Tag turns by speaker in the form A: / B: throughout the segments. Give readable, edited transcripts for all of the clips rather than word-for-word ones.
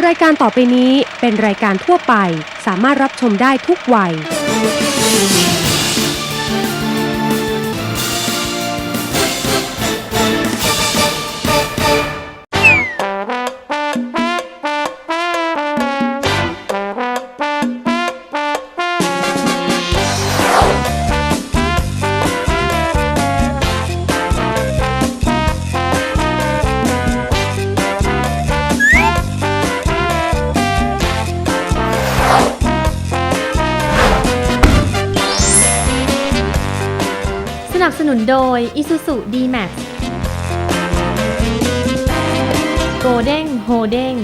A: รายการต่อไปนี้เป็นรายการทั่วไปสามารถรับชมได้ทุกวัย
B: สนับสนุนโดย Isuzu D-Max โกเด้งโฮเด้ง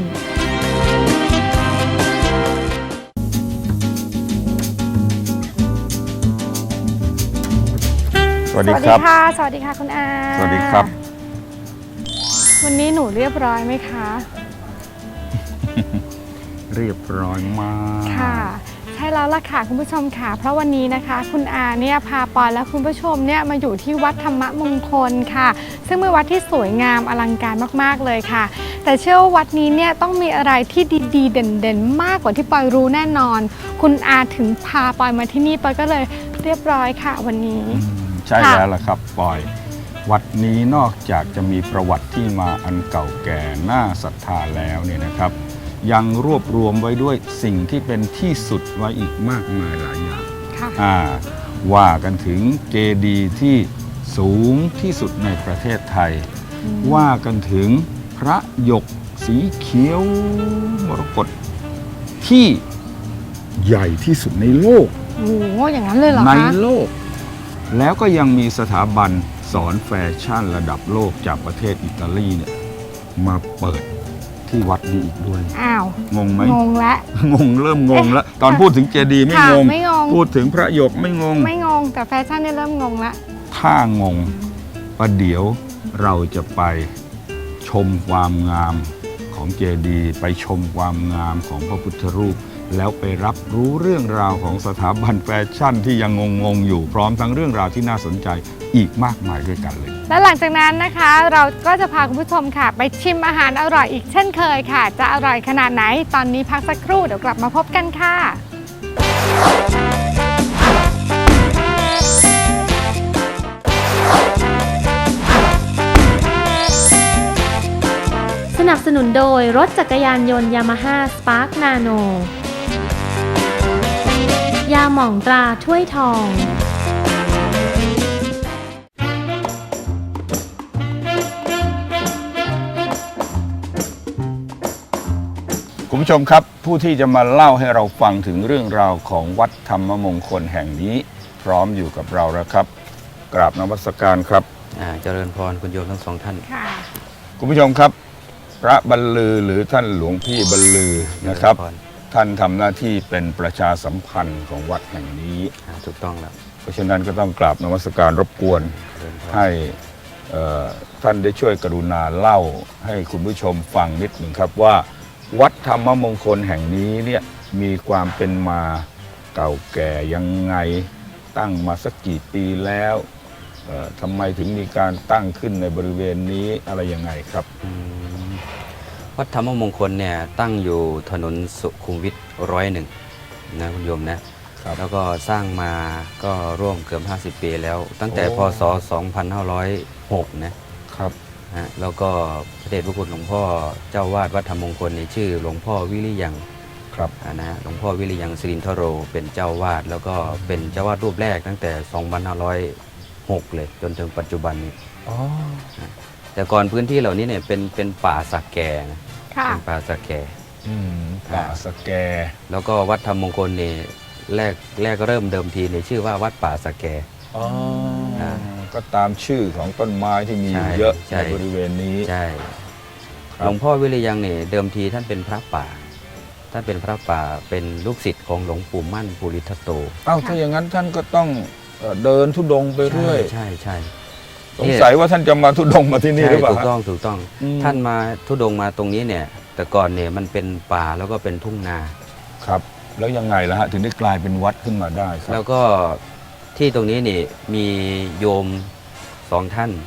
C: สวัสดีครับ
D: สวัสดีค่ะคุณอา
C: สวัสดีครับ
D: วันนี้หนูเรียบร้อยไหมคะ
C: เรียบร้อยมาก
D: ค่ะใช่แล้วล่ะค่ะคุณผู้ชมค่ะเพราะวันนี้นะคะคุณอาเนี่ยพาปอนและคุณผู้ชมเนี่ยมาอยู่ที่วัดธรรมมงคลค่ะซึ่งเป็นวัดที่สวยงามอลังการมากๆเลยค่ะแต่เชื่อว่าวัดนี้เนี่ยต้องมีอะไรที่ดีๆเด่นๆมากกว่าที่ปอยรู้แน่นอนคุณอาถึงพาปอยมาที่นี่ปอยก็เลยเรียบร้อยค่ะวันนี้
C: ใช่แล้วล่ะครับปอย วัดนี้นอกจากจะมีประวัติที่มาอันเก่าแก่น่าศรัทธาแล้วเนี่ยนะครับยังรวบรวมไว้ด้วยสิ่งที่เป็นที่สุดไว้อีกมากมายหลายอย่างว่ากันถึงเจดีย์ที่สูงที่สุดในประเทศไทยว่ากันถึงพระหยกสีเขียวมรกตที่ใหญ่ที่สุดในโลก
D: โอ้โหอย่างนั้นเลยเหรอคะ
C: ในโลกแล้วก็ยังมีสถาบันสอนแฟชั่นระดับโลกจากประเทศอิตาลีเนี่ยมาเปิดที่วัดนี้อีกด้วย
D: อ้าว
C: งงไหม
D: งงแล้ว
C: เริ่มงงแล้วตอนพูดถึงเจดีย์ไม่งงพูดถึงพระหยกไม่งง
D: แต่แฟชั่นเนี่ยเริ่มงงแล้ว
C: ถ้างงประเดี๋ยวเราจะไปชมความงามของเจดีย์ไปชมความงามของพระพุทธรูปแล้วไปรับรู้เรื่องราวของสถาบันแฟชั่นที่ยังงงอยู่พร้อมทั้งเรื่องราวที่น่าสนใจอีกมากมายด้วยกันเลย
D: และหลังจากนั้นนะคะเราก็จะพาคุณผู้ชมค่ะไปชิมอาหารอร่อยอีกเช่นเคยค่ะจะอร่อยขนาดไหนตอนนี้พักสักครู่เดี๋ยวกลับมาพบกันค่ะ
B: สนับสนุนโดยรถจักรยานยนต์ Yamaha Spark Nano ยาหม่องตราถ้วยทอง
C: คุณผู้ชมครับผู้ที่จะมาเล่าให้เราฟังถึงเรื่องราวของวัดธรรมมงคลแห่งนี้พร้อมอยู่กับเราแล้วครับกราบนมัสการครับ
E: เจริญพรคุณโยมทั้งสองท่าน
D: ค่ะ
C: คุณผู้ชมครับพระบรรลือหรือท่านหลวงพี่บรรลือนะครับท่านทำหน้าที่เป็นประชาสัมพันธ์ของวัดแห่งนี้
E: ถูกต้องแล้ว
C: เพราะฉะนั้นก็ต้องกราบนมัสการรบกวนให้ท่านได้ช่วยกรุณาเล่าให้คุณผู้ชมฟังนิดหนึ่งครับว่าวัดธรรมมงคลแห่งนี้เนี่ยมีความเป็นมาเก่าแก่ยังไงตั้งมาสักกี่ปีแล้วทำไมถึงมีการตั้งขึ้นในบริเวณนี้อะไรยังไงครับ
E: วัดธรรมมงคลเนี่ยตั้งอยู่ถนนสุขุมวิท101นะคุณโยมนะแล้วก็สร้างมาก็ร่วมเกือบ50 ปีแล้วตั้งแต่พศ2506นะครับแล้วก็พระเดชพระคุณหลวงพ่อเจ้าวาดวัดธรรมมงคลในชื่อหลวงพ่อวิริยัง
C: ครับ
E: นะหลวงพ่อวิริยังสิรินทโรเป็นเจ้าวาดแล้วก็เป็นเจ้าวาดรูปแรกตั้งแต่2506เลยจนถึงปัจจุบันนี้แต่ก่อนพื้นที่เหล่านี้เนี่ยเป็นป่าสักแกนะเป็นป่าสักแก
C: ป่าสักแก
E: แล้วก็วัดธรรมมงคลนี่แรกก็เริ่มเดิมทีในชื่อว่าวัดป่าสักแก
C: ก็ตามชื่อของต้นไม้ที่มีเยอะในบริเวณนี้
E: ใช่หลวงพ่อวิริยังเนี่ยเดิมทีท่านเป็นพระป่าท่านเป็นพระป่าเป็นลูกศิษย์ของหลวงปู่มั่นภูริทัตโต
C: ถ้าอย่างนั้นท่านก็ต้องเดินธุดงค์ไปเรื่อย
E: ใช่
C: สงสัยว่าท่านจะมาธุดงค์มาที่นี่หรือเปล่า
E: ถูกต้องท่านมาธุดงค์มาตรงนี้เนี่ยแต่ก่อนเนี่ยมันเป็นป่าแล้วก็เป็นทุ่งนา
C: ครับแล้วยังไงล่ะฮะถึงได้กลายเป็นวัดขึ้นมาได้ครับ
E: แล้วก็ที่ตรงนี้นี่มีโยม2 ท่าน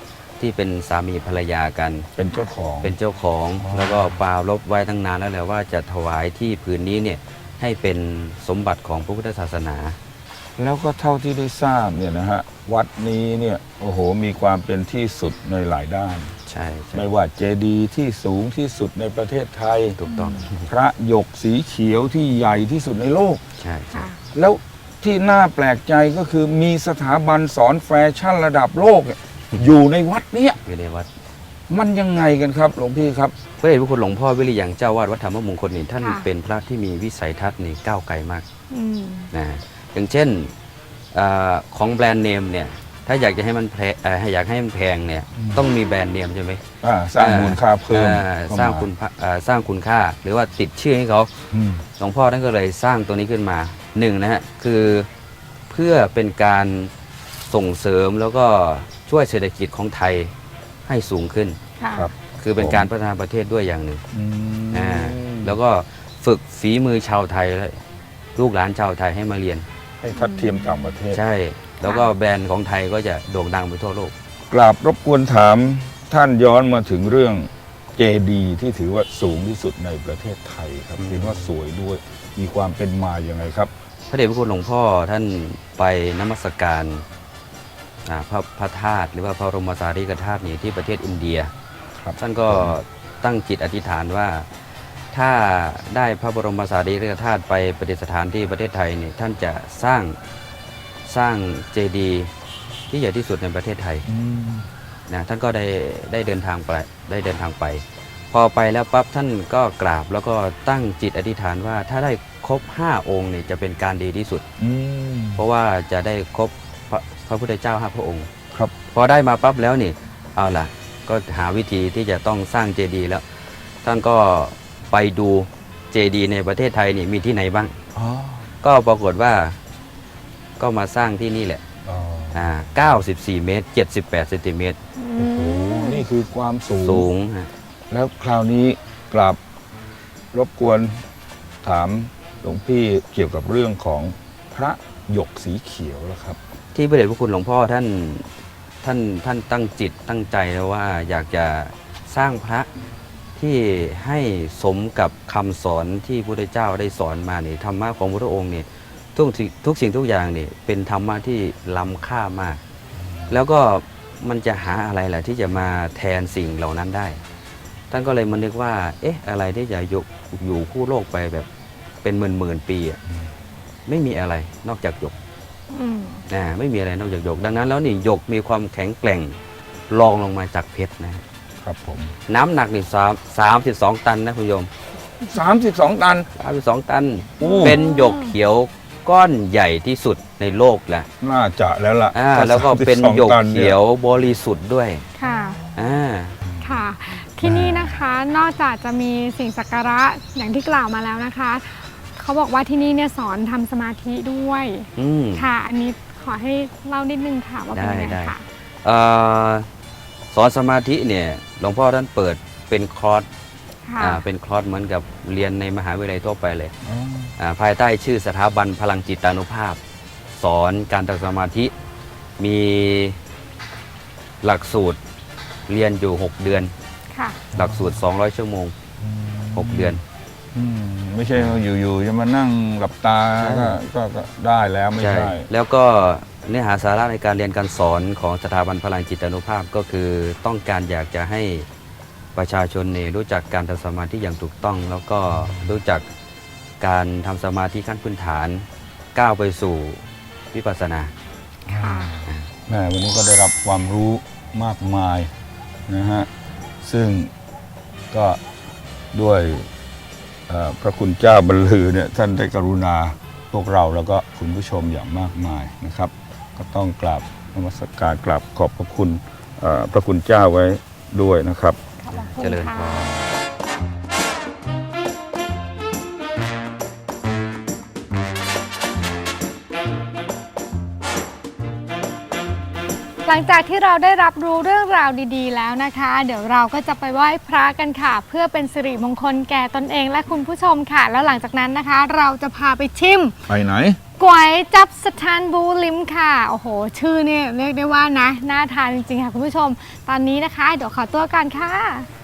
E: ที่เป็นสามีภรรยากัน
C: เป็นเจ้าของ
E: เป็นเจ้าของ
C: อ๋อ
E: แล้วก็ปรารภไว้ตั้งนานแล้วแหละว่าจะถวายที่ผืนนี้เนี่ยให้เป็นสมบัติของพระพุทธศาสนา
C: แล้วก็เท่าที่ได้ทราบเนี่ยนะฮะวัดนี้เนี่ยโอ้โหมีความเป็นที่สุดในหลายด้าน
E: ใช่ใช่
C: ไม่ว่าเจดีย์ที่สูงที่สุดในประเทศไทย
E: ถูกต้อง
C: พระหยกสีเขียวที่ใหญ่ที่สุดในโลก
E: ใช่ใช่
D: ค่ะ
C: แล้วที่น่าแปลกใจก็คือมีสถาบันสอนแฟชั่นระดับโลกเนี่ยอยู่ในวัดเนี้ย
E: อยู่ในวัด
C: มันยังไงกันครับหลวงพี่ครับ
E: พระเดชพระคุณหลวงพ่อวิริยังเจ้าวาดวัดธรรมมงคลนี่ท่าน
D: ค่ะ
E: เป็นพระที่มีวิสัยทัศน์นี่ก้าวไกลมาก
D: อืม
E: นะอย่างเช่นของแบรนด์เนมเนี่ยถ้าอยากจะให้มันอยากให้มันแพงเนี่ยต้องมีแบรนด์เนมใช่ไหม
C: สร้างมูลค่าเพิ่ม
E: สร้างสร้างคุณค่าหรือว่าติดชื่อให้เขา
C: อืม
E: หลวงพ่อท่านก็เลยสร้างตัวนี้ขึ้นมาหนึ่งนะฮะคือเพื่อเป็นการส่งเสริมแล้วก็ช่วยเศรษฐกิจของไทยให้สูงขึ้น
D: ค่ะ
C: ครับ
E: คือเป็นการพัฒนาประเทศด้วยอย่างหนึ่ง
C: อืม
E: แล้วก็ฝึกฝีมือชาวไทยและลูกหลานชาวไทยให้มาเรียน
C: ให้ทัดเทียมต่างประเทศ
E: ใช่ แล้วก็แบรนด์ของไทยก็จะโด่งดังไปทั่วโลก
C: กราบรบกวนถามท่านย้อนมาถึงเรื่องเจดีย์ที่ถือว่าสูงที่สุดในประเทศไทยครับเห็นว่าสวยด้วยมีความเป็นมาอย่างไงครับ
E: พระเดชพระคุณหลวงพ่อท่านไปนมัสการพระธาตุหรือว่าพระบรมสารีริกธาตุนี่ที่ประเทศอินเดีย
C: ครับ
E: ท่านก็ตั้งจิตอธิษฐานว่าถ้าได้พระบรมสารีริกธาตุไปประดิษฐานที่ประเทศไทยนี่ท่านจะสร้างเจดีย์ที่ใหญ่ที่สุดในประเทศไทยนะท่านก็ได้เดินทางไปพอไปแล้วปั๊บท่านก็กราบแล้วก็ตั้งจิตอธิษฐานว่าถ้าได้ครบ5องค์เนี่ยจะเป็นการดีที่สุด เพราะว่าจะได้ครบพระพุทธเจ้า5พระองค์
C: ครับ
E: พอได้มาปั๊บแล้วนี่เอาล่ะก็หาวิธีที่จะต้องสร้างเจดีย์แล้ว ท่านก็ไปดูเจดีย์ในประเทศไทยนี่มีที่ไหนบ้าง
C: อ๋อ
E: ก็ปรากฏว่าก็มาสร้างที่นี่แหละ
C: อ๋อ
E: 94 เมตร 78 เซนติเมตร
C: โอ้โหนี่คือความสู
E: สูงฮะ
C: แล้วคราวนี้กราบรบกวนถามหลวงพี่เกี่ยวกับเรื่องของพระหยกสีเขียวแล้วครับ
E: ที่พระเดชพระคุณหลวงพ่อท่านตั้งจิตตั้งใจแล้วว่าอยากจะสร้างพระที่ให้สมกับคำสอนที่พระพุทธเจ้าได้สอนมาเนี่ยธรรมะของพระองค์เนี่ยทุกสิ่งทุกอย่างเนี่ยเป็นธรรมะที่ล้ำค่ามาก แล้วก็มันจะหาอะไรล่ะที่จะมาแทนสิ่งเหล่านั้นได้ ท่านก็เลยมานึกว่าเอ๊ะอะไรที่จะอยู่คู่โลกไปแบบเป็นหมื่นปีอะไม่มีอะไรนอกจากหยก
D: อืม
E: ไม่มีอะไรนอกจากหยกดังนั้นแล้วนี่หยกมีความแข็งแกร่งรองลงมาจากเพชรนะครับ
C: ผม
E: น้ำหนักนี่32 ตันนะคุณโยม
C: 32 ตัน
E: 32 ตัน
C: โอ้
E: เป็นหยกเขียวก้อนใหญ่ที่สุดในโลกแหละ
C: น่าจะแล้วล่ะ
E: แล้วก็เป็น
C: 32
E: หยก
C: ตัน
E: เขียวบริสุทธิ์ด้วย
D: ค่ะ
E: อ่า
D: ค่ะ ที่นี่นะคะนอกจากจะมีสิ่งศักระอย่างที่กล่าวมาแล้วนะคะ เขาบอกว่าที่นี่เนี่ยสอนทำสมาธิด้วย
E: อืม
D: ค่ะ อันนี้ขอให้เล่านิดนึงค่ะว่าเป็นยังไง
E: ได้
D: ค่ะ
E: เอ่อสอนสมาธิเนี่ยหลวงพ่อท่านเปิดเป็นคอร์ส
D: ค่ะ
E: เป็นคอร์สเหมือนกับเรียนในมหาวิทยาลัยทั่วไปเลย
C: อ๋อ
E: ภายใต้ชื่อสถาบันพลังจิตานุภาพ สอนการทำสมาธิมีหลักสูตรเรียนอยู่ 6 เดือน
D: ค่ะ
E: หลักสูตร 200 ชั่วโมง 6 เดือน
C: ไม่ใช่ว่าอยู่ๆจะมานั่งหลับตา
E: ใช่
C: ก็ได้แล้วไม่ใช่
E: แล้วก็เนื้อหาสาระในการเรียนการสอนของสถาบันพลังจิตานุภาพก็คือต้องการอยากจะให้ประชาชนเนี่ยรู้จักการทำสมาธิอย่างถูกต้อง แล้วก็รู้จักการทำสมาธิขั้นพื้นฐานก้าวไปสู่วิปัสสนา
D: ค่ะ
C: แม่วันนี้ก็ได้รับความรู้มากมายนะฮะซึ่งก็ด้วยพระคุณเจ้าบรรลือเนี่ยท่านได้กรุณาพวกเราแล้วก็คุณผู้ชมอย่างมากมายนะครับ ก็ต้องกราบนมัสการกราบขอบพระคุณพระคุณเจ้าไว้ด้วยนะครับ
D: ขอบคุณ
E: เจริญพ
D: ค่ะ
E: ร
D: หลังจากที่เราได้รับรู้เรื่องราวดีๆแล้วนะคะ เดี๋ยวเราก็จะไปไหว้พระกันค่ะ เพื่อเป็นสิริมงคลแก่ตนเองและคุณผู้ชมค่ะ แล้วหลังจากนั้นนะคะ เราจะพาไปชิม
C: ไปไหน
D: ก๋วยจับสถานบูลิมค่ะโอ้โหชื่อเนี่ยเรียกได้ว่านะน่าทานจริงๆค่ะคุณผู้ชมตอนนี้นะคะเดี๋ยวขอตัวกันค่ะ